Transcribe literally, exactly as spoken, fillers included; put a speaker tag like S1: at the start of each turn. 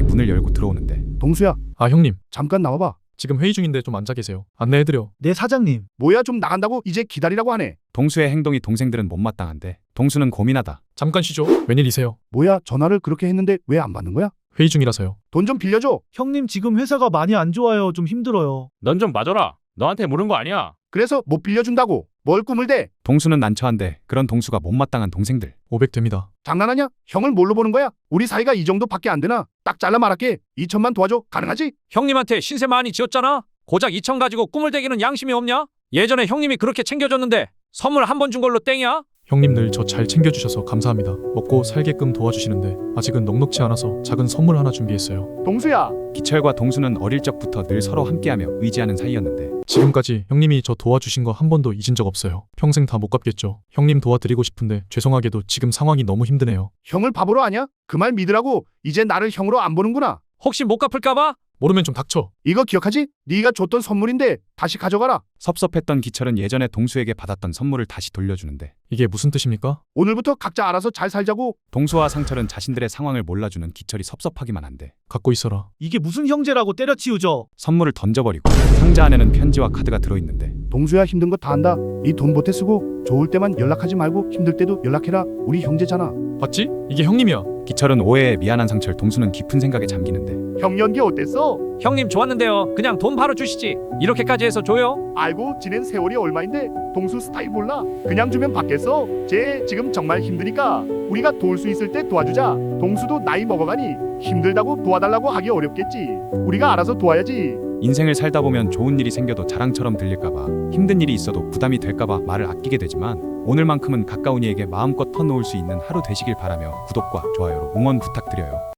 S1: 문을 열고 들어오는데
S2: 동수야,
S3: 아 형님,
S2: 잠깐 나와봐.
S3: 지금 회의 중인데 좀 앉아 계세요. 안내해드려.
S4: 네 사장님.
S2: 뭐야, 좀 나간다고 이제 기다리라고 하네.
S1: 동수의 행동이 동생들은 못마땅한데 동수는 고민하다.
S3: 잠깐 쉬죠. 웬일이세요?
S2: 뭐야, 전화를 그렇게 했는데 왜 안 받는 거야?
S3: 회의 중이라서요.
S2: 돈 좀 빌려줘.
S4: 형님 지금 회사가 많이 안 좋아요. 좀 힘들어요.
S5: 넌 좀 봐줘라. 너한테 물은 거 아니야.
S2: 그래서 못 빌려준다고. 뭘 꿈을 대?
S1: 동수는 난처한데 그런 동수가 못마땅한 동생들.
S3: 오백 됩니다.
S2: 장난하냐? 형을 뭘로 보는 거야? 우리 사이가 이 정도밖에 안 되나? 딱 잘라 말할게. 이천만 도와줘. 가능하지?
S5: 형님한테 신세 많이 지었잖아. 고작 이천 가지고 꿈을 대기는 양심이 없냐? 예전에 형님이 그렇게 챙겨줬는데 선물 한 번 준 걸로 땡이야?
S3: 형님 늘 저 잘 챙겨주셔서 감사합니다. 먹고 살게끔 도와주시는데 아직은 넉넉지 않아서 작은 선물 하나 준비했어요.
S2: 동수야.
S1: 기철과 동수는 어릴 적부터 늘 서로 함께하며 의지하는 사이였는데
S3: 지금까지 형님이 저 도와주신 거 한 번도 잊은 적 없어요. 평생 다 못 갚겠죠. 형님 도와드리고 싶은데 죄송하게도 지금 상황이 너무 힘드네요.
S2: 형을 바보로 아냐? 그 말 믿으라고. 이제 나를 형으로 안 보는구나.
S5: 혹시 못 갚을까봐?
S3: 모르면 좀 닥쳐.
S2: 이거 기억하지? 네가 줬던 선물인데 다시 가져가라.
S1: 섭섭했던 기철은 예전에 동수에게 받았던 선물을 다시 돌려주는데
S3: 이게 무슨 뜻입니까?
S2: 오늘부터 각자 알아서 잘 살자고.
S1: 동수와 상철은 자신들의 상황을 몰라주는 기철이 섭섭하기만 한데
S3: 갖고 있어라.
S4: 이게 무슨 형제라고 때려치우죠.
S1: 선물을 던져버리고 상자 안에는 편지와 카드가 들어있는데
S2: 동수야, 힘든 거 다 안다. 이 돈 보태 쓰고 좋을 때만 연락하지 말고 힘들 때도 연락해라. 우리 형제잖아.
S3: 봤지? 이게 형님이야.
S1: 기철은 오해에 미안한 상철, 동수는 깊은 생각에 잠기는데
S2: 형 연기 어땠어?
S5: 형님 좋았는데요. 그냥 돈 바로 주시지. 이렇게까지 해서 줘요?
S2: 알고 지낸 세월이 얼마인데 동수 스타일 몰라? 그냥 주면 받겠어? 쟤 지금 정말 힘드니까 우리가 도울 수 있을 때 도와주자. 동수도 나이 먹어가니 힘들다고 도와달라고 하기 어렵겠지. 우리가 알아서 도와야지.
S1: 인생을 살다 보면 좋은 일이 생겨도 자랑처럼 들릴까봐, 힘든 일이 있어도 부담이 될까봐 말을 아끼게 되지만 오늘만큼은 가까운 이에게 마음껏 터놓을 수 있는 하루 되시길 바라며 구독과 좋아요로 응원 부탁드려요.